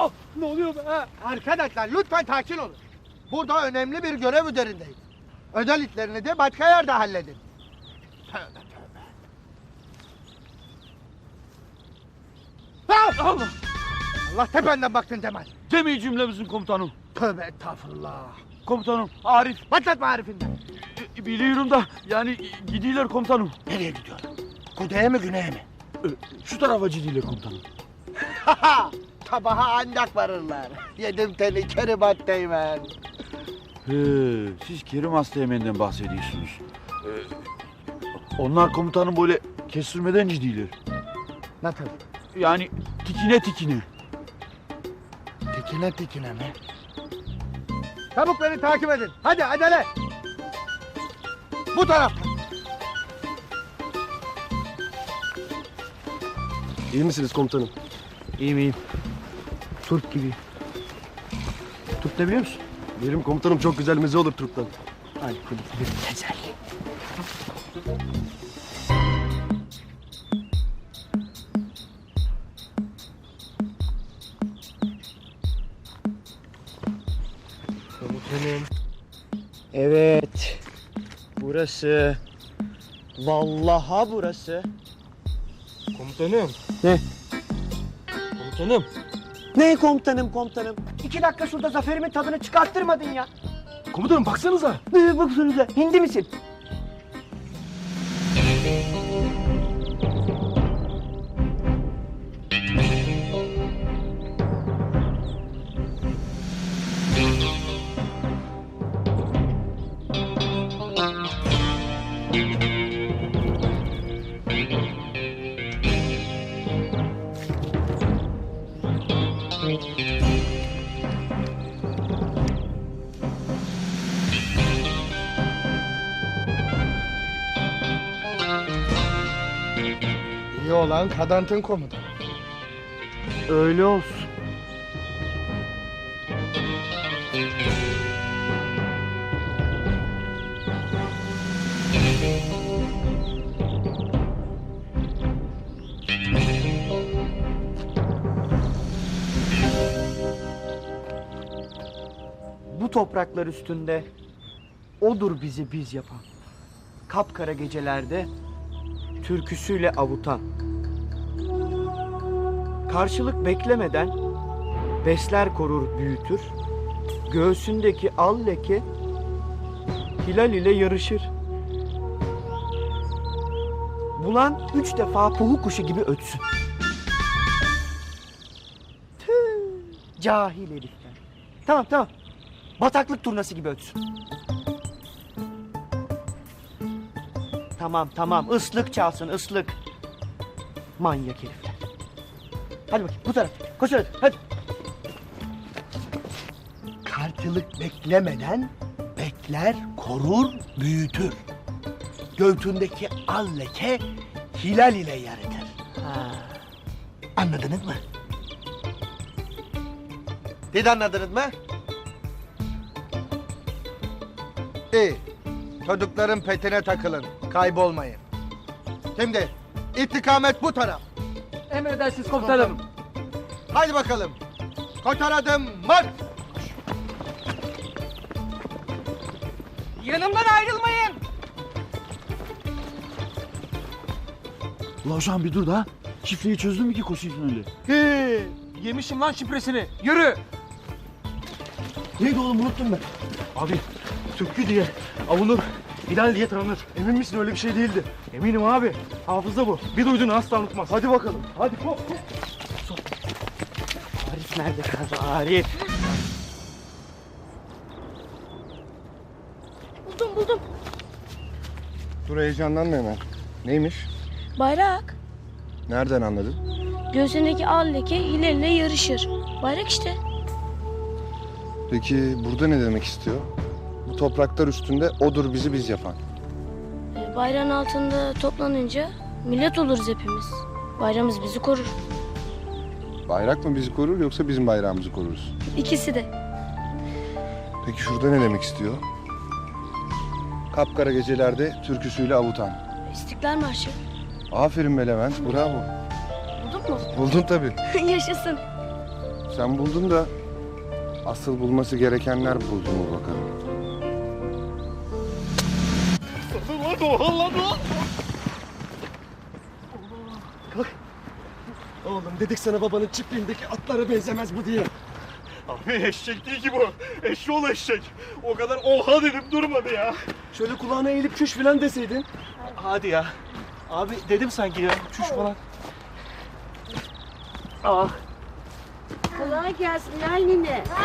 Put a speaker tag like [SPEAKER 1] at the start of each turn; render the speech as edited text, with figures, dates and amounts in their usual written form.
[SPEAKER 1] Allah! Ne oluyor be?
[SPEAKER 2] Arkadaşlar lütfen sakin olun. Burada önemli bir görev üzerindeyiz. Özel işlerini de başka yerde halledin. Tövbe tövbe. Ah!
[SPEAKER 1] Allah!
[SPEAKER 2] Allah tependen baktın Cemal.
[SPEAKER 1] Demeyi cümlemizin komutanım.
[SPEAKER 2] Tövbe estağfurullah.
[SPEAKER 1] Komutanım, Arif.
[SPEAKER 2] Başlatma Arif'inden.
[SPEAKER 1] Biliyorum da yani gidiyorlar komutanım.
[SPEAKER 2] Nereye gidiyor? Kuzeye mi güneye mi?
[SPEAKER 1] Şu tarafa gidiyorlar komutanım.
[SPEAKER 2] Sabaha ancak varırlar. Yedim seni Keribat Teğmen.
[SPEAKER 1] Siz Kerim Asteğmen'den bahsediyorsunuz. Onlar komutanım böyle kestirmeden gidiyorlar.
[SPEAKER 2] Nasıl?
[SPEAKER 1] Yani tikine tikine.
[SPEAKER 2] Tikine tikine mi? Çabuk beni takip edin. Hadi acele. Bu taraftan.
[SPEAKER 3] İyi misiniz komutanım?
[SPEAKER 1] İyiyim. Turp gibi. Turp ne biliyor musun?
[SPEAKER 3] Benim komutanım çok güzel meze olur Türk'ten.
[SPEAKER 1] Hadi bir tezel.
[SPEAKER 4] Komutanım. Evet. Burası. Vallaha burası.
[SPEAKER 5] Komutanım.
[SPEAKER 4] Ne?
[SPEAKER 5] Komutanım.
[SPEAKER 4] Ne komutanım? 2 dakika şurada zaferimin tadını çıkarttırmadın ya.
[SPEAKER 5] Komutanım baksanıza.
[SPEAKER 4] Baksanıza, hindi misin?
[SPEAKER 2] İyi olan kadantın komutanı.
[SPEAKER 4] Öyle olsun. Bu topraklar üstünde odur bizi biz yapan. Kapkara gecelerde türküsüyle avutan. Karşılık beklemeden besler korur büyütür. Göğsündeki al leke hilal ile yarışır. Bulan 3 defa puhu kuşu gibi ötsün. Tüh, cahil herifler. Tamam. Bataklık turnası gibi ötsün. Tamam. Islık çalsın, ıslık. Manyak herifler. Hadi bakayım bu taraf. Koş hadi.
[SPEAKER 2] Karşılık beklemeden bekler, korur, büyütür. Göğsündeki al leke hilal ile yaratır.
[SPEAKER 4] Ha.
[SPEAKER 2] Anladınız mı? Siz anladınız mı? İyi. Çocukların petine takılın. Kaybolmayın. Şimdi istikamet bu taraf.
[SPEAKER 5] Emredersiniz komutanım.
[SPEAKER 2] Haydi bakalım. Koşar adım marş.
[SPEAKER 5] Yanımdan ayrılmayın.
[SPEAKER 1] Ulan hocam bir dur da. Şifreyi çözdün mü ki koşuyorsun öyle?
[SPEAKER 5] Yemişim lan şifresini. Yürü.
[SPEAKER 2] Neydi oğlum unuttum ben.
[SPEAKER 5] Abi Türkü diye avunur. Hilal diye tanınır. Emin misin öyle bir şey değildi? Eminim abi. Hafıza bu. Bir duyduğunu asla unutmaz. Hadi bakalım. Hadi hop.
[SPEAKER 4] Arif nerede kaldı Arif?
[SPEAKER 6] Buldum.
[SPEAKER 3] Dur heyecanlanma hemen. Neymiş?
[SPEAKER 6] Bayrak.
[SPEAKER 3] Nereden anladın?
[SPEAKER 6] Göğsündeki al leke hilalle yarışır. Bayrak işte.
[SPEAKER 3] Peki burada ne demek istiyor? Bu topraklar üstünde odur bizi biz yapan.
[SPEAKER 6] Bayrağın altında toplanınca millet oluruz hepimiz. Bayrağımız bizi korur.
[SPEAKER 3] Bayrak mı bizi korur yoksa bizim bayrağımızı koruruz?
[SPEAKER 6] İkisi de.
[SPEAKER 3] Peki şurada ne demek istiyor? Kapkara gecelerde türküsüyle avutan.
[SPEAKER 6] İstiklal Marşı.
[SPEAKER 3] Aferin be Levent, bravo.
[SPEAKER 6] Buldun mu?
[SPEAKER 3] Buldun tabii.
[SPEAKER 6] Yaşasın.
[SPEAKER 3] Sen buldun da asıl bulması gerekenler buldu mu bakalım.
[SPEAKER 5] Oğlum dedik sana babanın çiftliğindeki atlara benzemez bu diye.
[SPEAKER 7] Abi eşek değil ki bu. Eşşoğlu eşek. O kadar oha dedim durmadı ya.
[SPEAKER 5] Şöyle kulağına eğilip çüş falan deseydin.
[SPEAKER 7] Hadi ya. Abi dedim sanki ya. Çüş falan.
[SPEAKER 8] Kolay gelsin Lal nine.